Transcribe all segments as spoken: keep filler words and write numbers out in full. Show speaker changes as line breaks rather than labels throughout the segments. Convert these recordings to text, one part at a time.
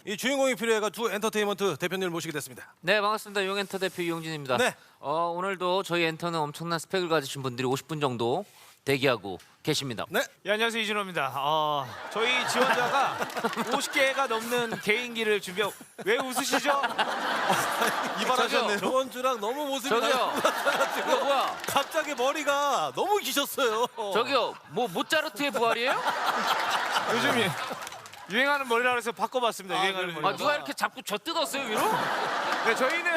이 주인공이 필요해가 두 엔터테인먼트 대표님을 모시게 됐습니다.
네, 반갑습니다. 용엔터 대표 이용진입니다.
네.
어, 오늘도 저희 엔터는 엄청난 스펙을 가지신 분들이 오십 분 정도 대기하고 계십니다.
네.
예, 안녕하세요, 이준호입니다. 어, 저희 지원자가 오십 개가 넘는 개인기를 준비하고 왜 웃으시죠?
이발하셨네요. 저번 주랑 너무 모습이
저기요.
달라가지고
이거 뭐야?
갑자기 머리가 너무 기셨어요.
저기요, 뭐 모짜르트의 부활이에요?
요즘 유- 유행하는 머리라 그래서 바꿔봤습니다.
아,
유행하는
그래요?
머리.
아, 누가 이렇게 자꾸 저 뜯었어요 위로?
네, 저희는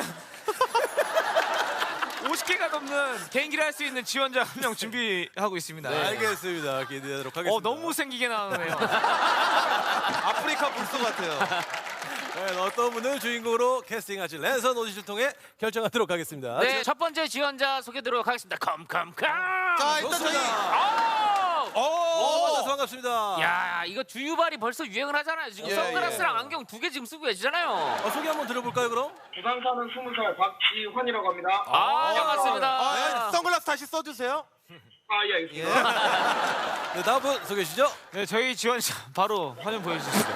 오십 개가 넘는 개인기를 할 수 있는 지원자 한 명 준비하고 있습니다.
네. 알겠습니다. 기대하도록 하겠습니다.
어, 너무 못생기게 나오네요.
아프리카 불소 같아요. 네, 어떤 분을 주인공으로 캐스팅하실 랜선 오디션을 통해 결정하도록 하겠습니다.
네, 첫 번째 지원자 소개드리도록 하겠습니다. 컴컴컴.
자, 일단 저희
오!
오, 만나서 반갑습니다.
야, 이거 주유발이 벌써 유행을 하잖아요. 지금
예,
선글라스랑 안경 두 개 지금 쓰고 계시잖아요.
어, 소개 한번 들어볼까요, 그럼?
부산 사는 스무 살 박지환이라고 합니다.
아, 반갑습니다.
아, 선글라스 다시 써주세요.
아, 예, 알겠습니다.
네, 다음 분 소개해 주시죠.
네, 저희 지원자 바로 화면 보여주시죠.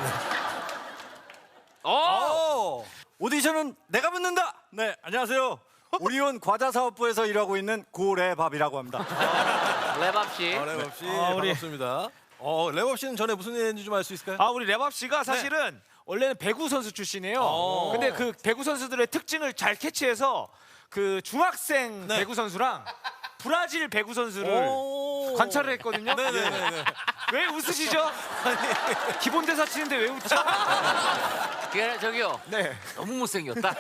어!
오,
오디션은 내가 붙는다. 네, 안녕하세요. 오리온 과자사업부에서 일하고 있는 고래밥이라고 합니다.
랩업 씨.
아, 랩업 씨
아, 우리-
반갑습니다. 어, 랩업 씨는 전에 무슨 일 했는지 좀 알 수 있을까요?
아, 우리 랩업 씨가 사실은 원래는 배구 선수 출신이에요.
어.
근데 그 배구 선수들의 특징을 잘 캐치해서 그 중학생
네.
배구 선수랑 브라질 배구 선수를
오.
관찰을 했거든요.
네네네.
왜 웃으시죠? 기본 대사 치는데 왜 웃죠?
그게 저기요.
네.
너무 못생겼다.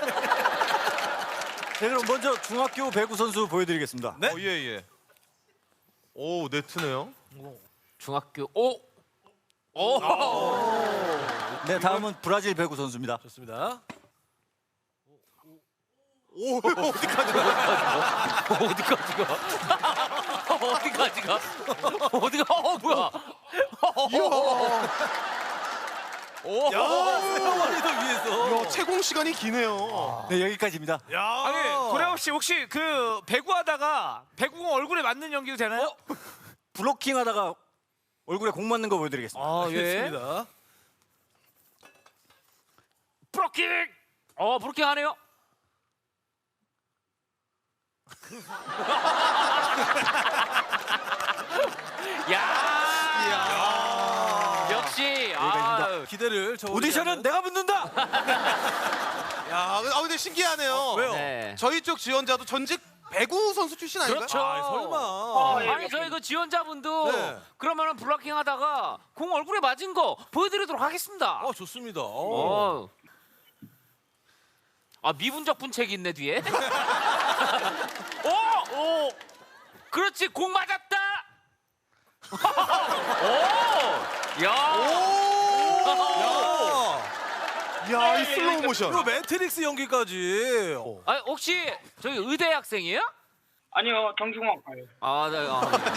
네, 그럼 먼저 중학교 배구 선수 보여드리겠습니다.
네?
어, 예, 예. 오, 네트네요.
중학교 오. 오.
네, 다음은 브라질 배구 선수입니다.
좋습니다.
오, 어디까지?
어디까지 가? 어디까지 가? 어디가? 어 뭐야? 오.
야, 세월이도 위해서.
야, 채공 시간이 기네요.
네, 여기까지입니다.
야.
아니, 고래업 씨 혹시 그 배구하다가 배구공 얼굴에 맞는 연기도 되나요?
블로킹 하다가 얼굴에 공 맞는 거 보여드리겠습니다.
아,
알겠습니다.
브로킹. 어 브로킹 하네요. 야. 역시. 아.
기대를 저
오디션은 내가 붙는다.
야, 아, 근데 신기하네요.
왜요?
네.
저희 쪽 지원자도 전직 배구 선수 출신 아닌가요?
그렇죠.
아, 설마.
아, 예.
아니 저희 그 지원자분도
네.
그러면은 블로킹 하다가 공 얼굴에 맞은 거 보여드리도록 하겠습니다.
어, 좋습니다. 어.
어. 아 미분적 분책이 있네 뒤에. 오, 오. 그렇지 공 맞았다. 오, 야.
야,
야, 이 슬로우 모션.
이거 매트릭스 연기까지. 어.
아 혹시 저기 의대 학생이에요?
아니요, 정중학과요.
아, 네.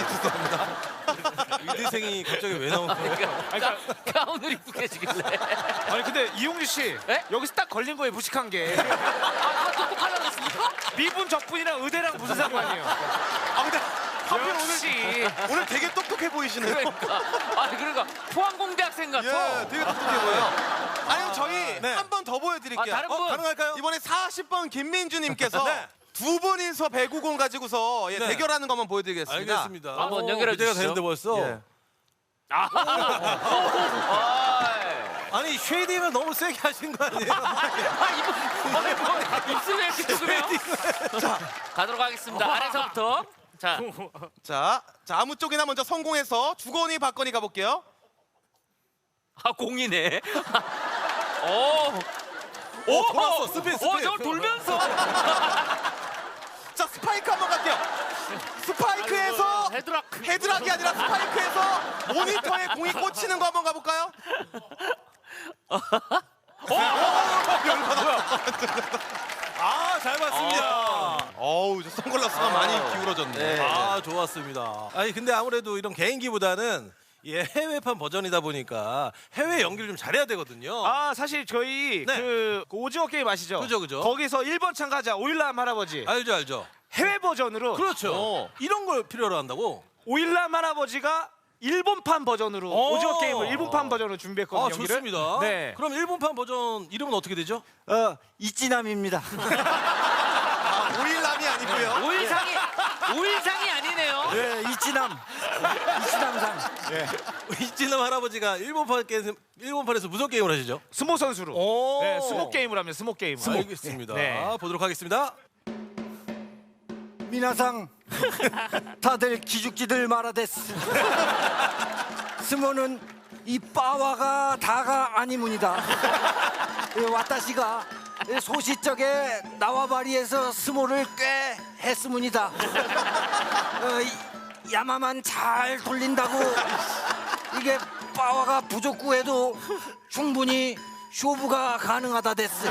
아,
의대생이 갑자기 왜 나온 거예요?
그러니까 가운을 입고 계시길래.
아니 근데 이용주 씨
네?
여기서 딱 걸린 거예요, 무식한 게.
아, 똑똑하다고 했습니까?
미분 적분이랑 의대랑 무슨 상관이에요?
아, 근데 하필
역시.
오늘 되게 똑똑해 보이시네요.
그러니까. 아, 그러니까 포항공대 학생 같아.
예, 되게 똑똑해 보여요. 아니면 저희
네.
한 번 더 보여드릴게요.
아, 다른 분.
어, 가능할까요?
이번에 사십 번 김민주님께서
네.
두 분이서 배구공 가지고서 예,
네.
대결하는 것만 보여드리겠습니다.
알겠습니다.
한번
어,
연결해
기대가
주시죠.
되는데 벌써.
예.
아,
아니 쉐이딩을 너무 세게 하신 거 아니에요?
아, 이거 아니, 뭐, 입술에 이렇게 두으면 자, 가도록 하겠습니다. 아래서부터. 자,
자, 자 아무 쪽이나 먼저 성공해서 주거니 받거니 가볼게요.
아 공이네. 오,
오, 돌았어. 스피드, 스피드.
오, 저걸 돌면서.
자, 스파이크 한번 갈게요. 스파이크에서
헤드락.
헤드락이 아니라 스파이크에서 모니터에 공이 꽂히는 거 한번 가볼까요?
아, 잘 봤습니다.
어우, 저 선글라스가 많이 기울어졌네.
네.
아, 좋았습니다. 아니 근데 아무래도 이런 개인기보다는 예, 해외판 버전이다 보니까 해외 연기를 좀 잘해야 되거든요.
아, 사실 저희
네.
그, 그 오징어 게임 아시죠?
그죠, 그죠.
거기서 일 번 참가자 오일남 할아버지
알죠, 알죠.
해외 버전으로
그렇죠.
어.
이런 걸 필요로 한다고.
오일남 할아버지가 일본판 버전으로
오.
오징어 게임을 일본판 버전으로 준비했거든요.
아,
경기를.
좋습니다.
네.
그럼 일본판 버전 이름은 어떻게 되죠?
어, 이찌남입니다.
오일남이 아니고요.
오일상이 오일상이 아니네요.
예, 이찌남. 이찌남상. 예.
이진남 할아버지가 일본판 게임, 일본판에서 무슨 게임을 하시죠?
스모 선수로.
오.
네, 스모 게임을 하면 스모 게임을.
알겠습니다.
네.
보도록 하겠습니다.
미나상 다들 기죽지들 말아댔스. 스모는 이 빠와가 다가 아니문이다. 예, 와타시가 소시적에 나와바리에서 스모를 꽤 했으문이다. 어, 이- 야마만 잘 돌린다고 이게 빠와가 부족구해도 충분히 쇼부가 가능하다 됐스.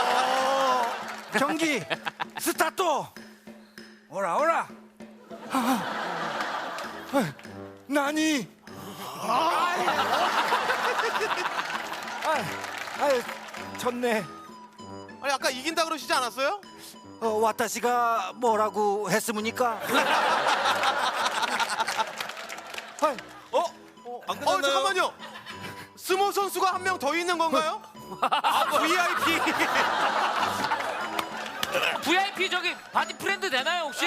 경기 스타트. 오라 오라. 아, 나니. 아, 아, 졌네.
아니 아까 이긴다 그러시지 않았어요?
어, 와타시가 뭐라고 했으니까. 아,
어? 안
어
끝났나요?
잠깐만요. 스모 선수가 한 명 더 있는 건가요? 아, 브이아이피.
브이아이피 저기 바디 프렌드 되나요 혹시?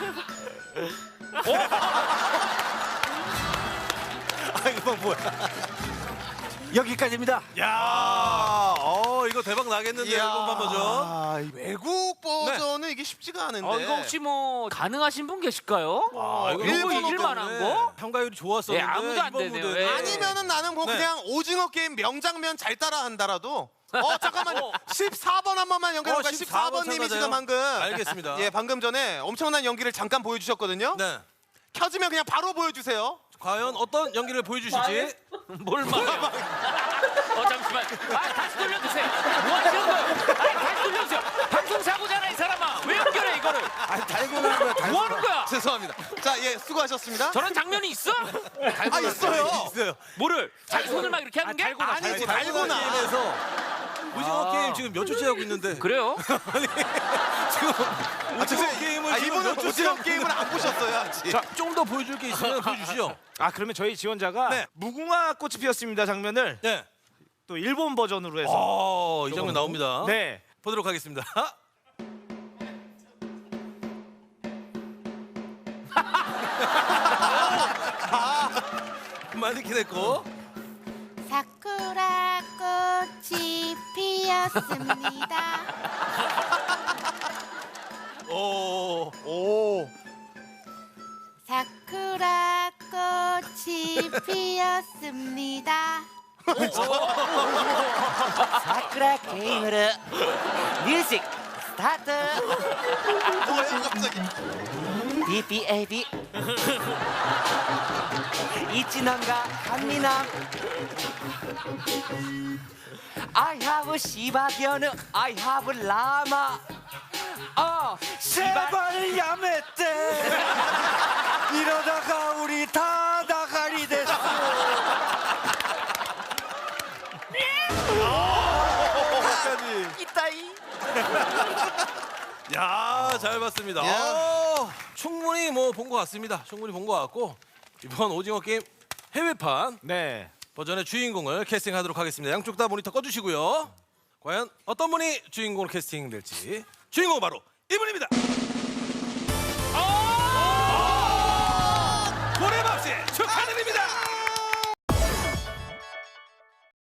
아, 이거 뭐야?
여기까지입니다.
야, 어 이거 대박 나겠는데
이야.
일본판 버전.
아, 이 외국 버전은 이게 쉽지가 않은데.
어, 이거 혹시 뭐 가능하신 분 계실까요?
아,
이거
일본어
이길 만한 거?
평가율이 좋았었는데
예, 아무도 안
이번
되네요.
무대는
예.
아니면은 나는 뭐
네.
그냥 오징어 게임 명장면 잘 따라한다라도. 어 잠깐만요. 십사 번 한 번만 연결해볼까요?
어,
십사 번 님이 지금 방금.
알겠습니다.
예, 방금 전에 엄청난 연기를 잠깐 보여주셨거든요.
네.
켜지면 그냥 바로 보여주세요.
과연 어떤 연기를 보여주실지.
뭘 말해요? 어 잠시만. 아 다시 돌려주세요. 뭐 하시는 거예요? 아 다시 돌려주세요. 방송 사고잖아 이 사람아. 왜 연결해 이거를?
아, 달고나 거야, 달고나.
뭐 하는 거야?
죄송합니다. 자, 예, 수고하셨습니다.
저런 장면이 있어?
아, 있어요.
있어요.
뭐를? 자기 손을 막 이렇게 하는 게?
아니지,
달고나
달고나.
게임에서 오징어 게임 지금 몇 초째 하고 있는데.
그래요?
아니 지금
아,
오징어
죄송해요.
게임을
아,
지금
이분은
몇 초째
오징어
하고
게임을 안 보셨어요, 아직.
자, 좀 더 보여줄 게 있으면 보여주시죠.
아, 그러면 저희 지원자가
네.
무궁화 꽃이 피었습니다 장면을
네.
또 일본 버전으로 해서
어, 이 장면 나옵니다.
네.
보도록 하겠습니다. 마네킹 했고.
사쿠라 꽃이 피었습니다.
오.
오.
사쿠라 꽃이 피었습니다.
사쿠라 게임으로 뮤직 스타트.
뭐야, 갑자기.
비비에이비 이치남과 한미남. I have 시바견우 I have 라마. 어 시바
제발 야매떼. 이러다가 우리 다 나가리 됐어.
이따이.
야, 잘 봤습니다.
야.
어, 충분히 뭐 본 것 같습니다. 충분히 본 것 같고 이번 오징어 게임 해외판
네.
버전의 주인공을 캐스팅하도록 하겠습니다. 양쪽 다 모니터 꺼주시고요. 과연 어떤 분이 주인공으로 캐스팅될지. 주인공은 바로 이분입니다.